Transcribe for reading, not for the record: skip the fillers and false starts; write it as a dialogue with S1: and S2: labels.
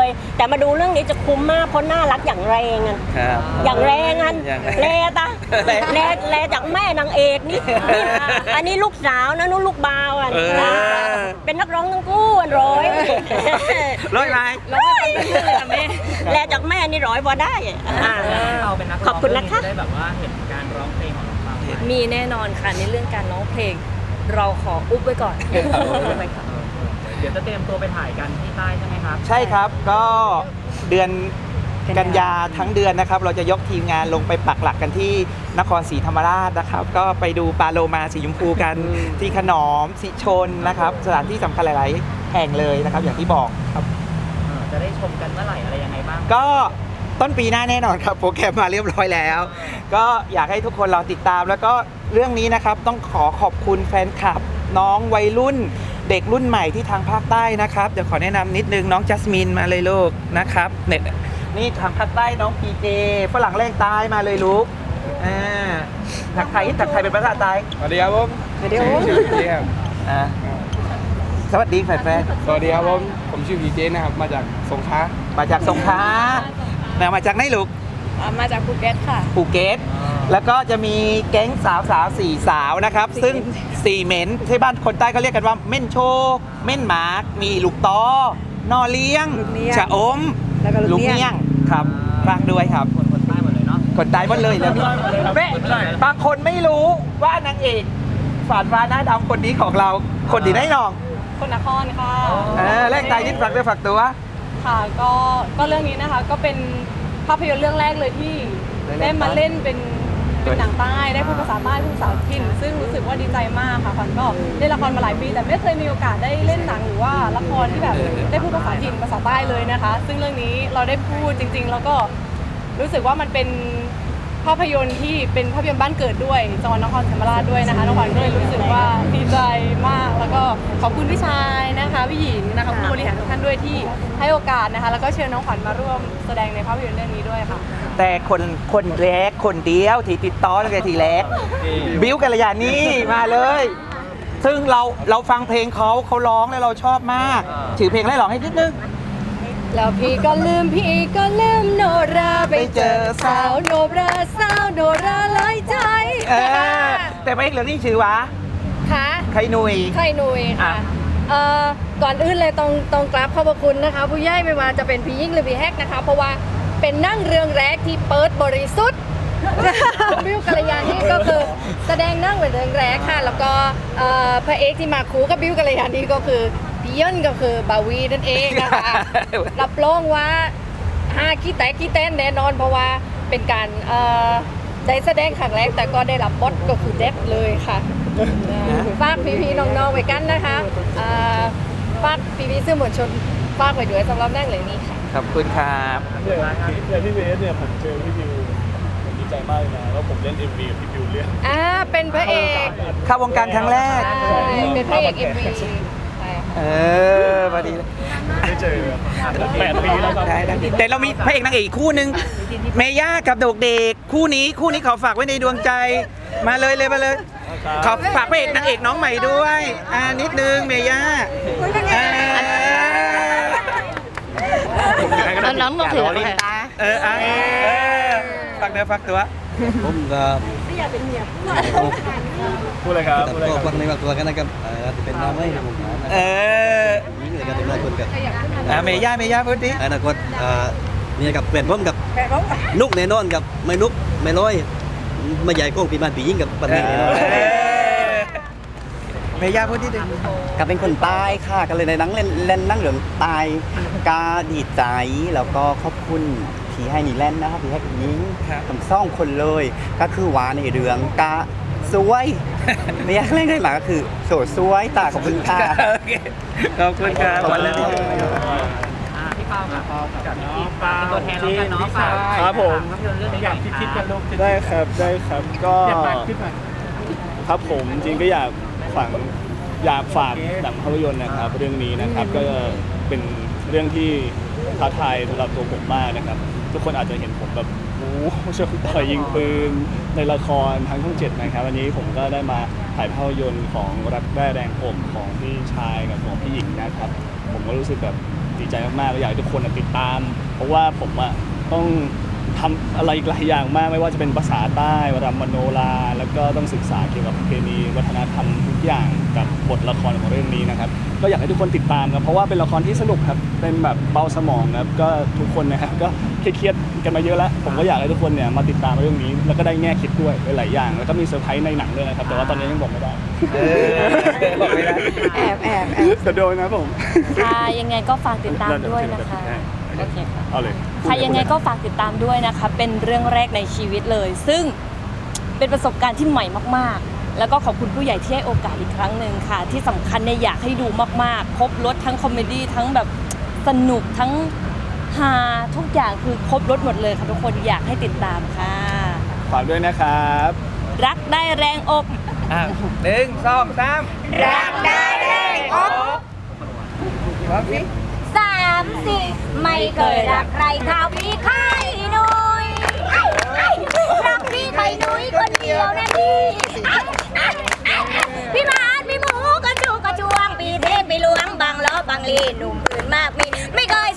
S1: แต่มาดูเรื่องนี้จะคุ้มมากเพราะน่ารักอย่างแรงอ่ะอย่างแรงอ่ะแลตาแลจากแม่นางเอกนี่อันนี้ลูกสาวนะนู้นลูกบ่าวอ่ะเป็นนักร้องทั้งคู่ร้อย
S2: ไหม
S1: แลจากแม่นี่ร้อยพอได้ขอบคุณนะคะ
S3: ได้แบบว่าเห็นการร้องเพลงของน้องเปา
S4: มีแน่นอนค่ะในเรื่องการร้องเพลงเราขออุบไว้ก่อน
S3: เดี๋ยวจะเตรียมตัวไปถ่ายกันที่ใต้ใช่ไหมครับ
S2: ใช่ครับก็เดือนกันยาทั้งเดือนนะครับเราจะยกทีมงานลงไปปักหลักกันที่นครศรีธรรมราชนะครับก็ไปดูปลาโลมาสีชมพูกันที่ขนอมสิชนนะครับสถานที่สำคัญหลายๆแห่งเลยนะครับอย่างที่บอกครับ
S3: จะได้ชมกันเมื่อไหร่อะไรยังไงบ้าง
S2: ก็ต้นปีหน้าแน่นอนครับโปรแกรมมาเรียบร้อยแล้วก็อยากให้ทุกคนรอติดตามแล้วก็เรื่องนี้นะครับต้องขอบคุณแฟนคลับน้องวัยรุ่นเด็กรุ่นใหม่ที่ทางภาคใต้นะครับเดี๋ยวขอแนะนำนิดนึงน้องจัสมินมาเลยลูกนะครับเนี่ยนี่ทางภาคใต้น้องพีเจฝรั่งแรงใต้มาเลยลูกถักไทยเป็นภาษาใต้
S5: สวัสดีครับผม
S2: สวัสดีครับชื่อพีเจครับสวัสดีแฟน
S5: สวัสดีครับผมชื่อพีเจนะครับมาจากสงขลา
S2: มาจากมาจากไหนลูก
S4: มาจากภูเก็ตค่ะ
S2: ภูเก็ตแล้วก็จะมีแก๊งสาว4 สาวนะครับซึ่ง4เหม็นที่บ้านคนใต้เขาเรียกกันว่าเม่นโชเม่นหมากมีลูกตอนอเลี้ยงชะอมลูกเลี้ยงครับฝากด้วยครับ
S3: คนใต้หมดเลยเนาะ
S2: คนใต้หมดเลยแล้วแม่บางคนไม่รู้ว่านางเอกฝาดฟ้าหน้าดำคนนี้ของเราคนดีได้น้อง
S4: คนนครค่ะ
S2: แรกใจนิดฝากตัว
S4: ค่ะก็เรื่องนี้นะคะก็เป็นภาพยนตร์เรื่องแรกเลยที่ได้มาเล่นเป็นหนังใต้ได้พูดภาษาใต้พูดภาษาถิ่นซึ่งรู้สึกว่าดีใจมากค่ะขวัญก็เล่นละครมาหลายปีแต่ไม่เคยมีโอกาสได้เล่นหนังหรือว่าละครที่แบบได้พูดภาษาถิ่นภาษาใต้เลยนะคะซึ่งเรื่องนี้เราได้พูดจริงๆแล้วก็รู้สึกว่ามันเป็นภาพยนตร์ที่เป็นภาพยนตร์บ้านเกิดด้วยจังหวัดนครศรีธรรมราชด้วยนะคะน้องขวัญก็เลยรู้สึกว่าดีใจมากแล้วก็ขอบคุณพี่ชายนะคะพี่หญิงนะคะผู้บริหารทุกท่านด้วยที่ให้โอกาสนะคะแล้วก็เชิญน้องขวัญมาร่วมแสดงในภาพยนตร์เรื่องนี้ด้วยค่ะ
S2: แต่คนแรกคนเดียวที่ติดต่อตั้งแต่ทีแรกบิ้วกัลยานี่มาเลยซึ่งเราฟังเพลงเขาร้องแล้วเราชอบมากชื่อเพลงอะไรร้องให้นิดนึง
S4: แล้วพี่ก็ลืมโนราไปเจอสาวโนราหลายใจ
S2: แต่เพลงเรื่องนี้ชื่อว่า
S4: ค่ะ
S2: ไข่นุย
S4: ค่ะก่อนอื่นเลยต้องกราบขอบพระคุณนะคะผู้ใหญ่ไม่ว่าจะเป็นพี่ยิ่งหรือพี่แฮกนะคะเพราะว่าเป็นนั่งเรื่องแรกที่เปิดบริสุทธิ์บิวกัลยานี่ก็คือแสดงนั่งเป็นเรื่องแรกค่ะแล้วก็พระเอกที่มาคู่กับบิวกัลยานี่ก็คือพี่ย่นก็คือบาวีนั่นเองนะคะรับรองว่าขี้แตนแน่นอนเพราะว่าเป็นการได้แสดงครั้งแรกแต่ก็ได้รับบทก็คือเด็บเลยค่ะฝากพี่ๆน้องๆไว้กันนะคะฝากพี่ๆสื่อมวลชนฝากไว้ด้วยสำหรับนั่งเรื่องนี้ค่ะ
S2: ขอบคุณครับ
S5: อย่างพี่เบสเนี่ยผมเจอพี่บิวผมดีใจมากเลยนะแล้วผมเล่น MV กับพี่บิวเรื่อง
S4: เป็นพระเอก
S2: เข้าวงการครั้งแรก
S4: เป็นพระเอก MV
S2: พอดีเลย
S5: ไม่เจอ8 ปีแล้วครับ
S2: แต่เรามีพระเอกนางเอกคู่นึงเมย่ากับโดกเด็กคู่นี้ขอฝากไว้ในดวงใจมาเลยขอฝากพระเอกนางเอกน้องใหม่ด้วยนิดนึงเมย่า
S4: น้องถือลิ้นตา
S2: ฝากเนื้อฝากตัว
S6: ผมก็
S1: ไม่อยากเป็นเมีย
S5: พูดเลยครับ
S6: ก็ฟังในบางตัวกันนะครับจะเป็นน้ำไม่ผมนี่เลยกันเป็นน้ำคนกับ
S2: เมย่าพูดดิ
S6: อนาคตเนี่ยกับเปลี่ยนผมกับนุกแน่นอนกับไม่นุกไม่ร้อยไม่ใหญ่ก้องปีบ้านปียิ่งกับปันนี้แน่นอน
S2: เมย่าพูดดิ
S6: กับเป็นคนใต้ค่ะกันเลยในหนังเล่นนั่งเหลืองตายกาดีใจแล้วก็ขอบคุณที่ให้นี่เล่นนะครับที่ให้คุณยิงทั้ง2 คนเลยก็คือว่าในเรื่องกาสวยไม่อยากเล่นได้หมาก็คือโสดสวยตาขอบคุณค่ะ
S2: ขอบคุณครับวันนี้
S3: พี่เปากับพี่เปาตัวแทนแล้วกันเนาะ
S5: ครับผม
S3: อยากคิดกันลูก
S5: ได้ครับก็ครับผมจริงก็อยากฝากหนังภาพยนตร์นะครับเรื่องนี้นะครับก็เป็นเรื่องที่ท้าทายสำหรับตัวผมมากนะครับทุกคนอาจจะเห็นผมแบบชกต่อยยิงปืนในละครทางช่อง 7นะครับวันนี้ผมก็ได้มาถ่ายภาพยนตร์ของรักแร่แรงอกของพี่ชายกับของพี่หญิงนะครับผมก็รู้สึกแบบดีใจมากๆอยากให้ทุกคนติดตาม เพราะว่าผมต้องทำอะไรอีกหลายอย่างมากไม่ว่าจะเป็นภาษาใต้รำมโนราแล้วก็ต้องศึกษาเกี่ยวกับประเพณีวัฒนธรรมทุกอย่างกับบทละครของเรื่องนี้นะครับก็อยากให้ทุกคนติดตามครับเพราะว่าเป็นละครที่สนุกครับเป็นแบบเบาสมองครับก็ทุกคนนะครับก็เครียดๆกันมาเยอะแล้วผมก็อยากให้ทุกคนเนี่ยมาติดตามเรื่องนี้แล้วก็ได้แง่คิดด้วยหลายอย่างแล้วก็มีเซอร์ไพรส์ในหนังด้วยนะครับแต่ว่าตอนนี้ยังบอกไม่ได้
S2: บอกไม่ได้
S4: แอบ
S5: จะโดนนะผม
S7: ค่ะยังไงก็ฝากติดตามด้วยนะคะ
S5: โอเคเอาเลย
S7: ค่ะยังไงก็ฝากติดตามด้วยนะคะเป็นเรื่องแรกในชีวิตเลย ซึ่งเป็นประสบการณ์ที่ใหม่มากๆ แล้วก็ขอบคุณผู้ใหญ่ที่ให้โอกาสอีกครั้งหนึ่งค่ะ ที่สำคัญเนี่ยอยากให้ดูมากๆครบรถทั้งคอมเมดี้ทั้งแบบสนุกทั้งฮาทุกอย่างคือครบรถหมดเลยค่ะทุกคนอยากให้ติดตามค่ะ
S5: ฝากด้วยนะครับ
S7: รักได้แรงอก
S2: 1 2 3
S1: รักได้แรงอก
S2: พร้อมสิ
S1: 3 4ไม่เคยรักใครเท่าพี่ไข่นุ้ยรักพี่ไข่นุ้ยคนเดียวนะพี่มาดพี่หมูกระจูกระจวงปีเทพไปล้วงบางล้อบางลีหนุ่มอื่นมากมีไม่เคย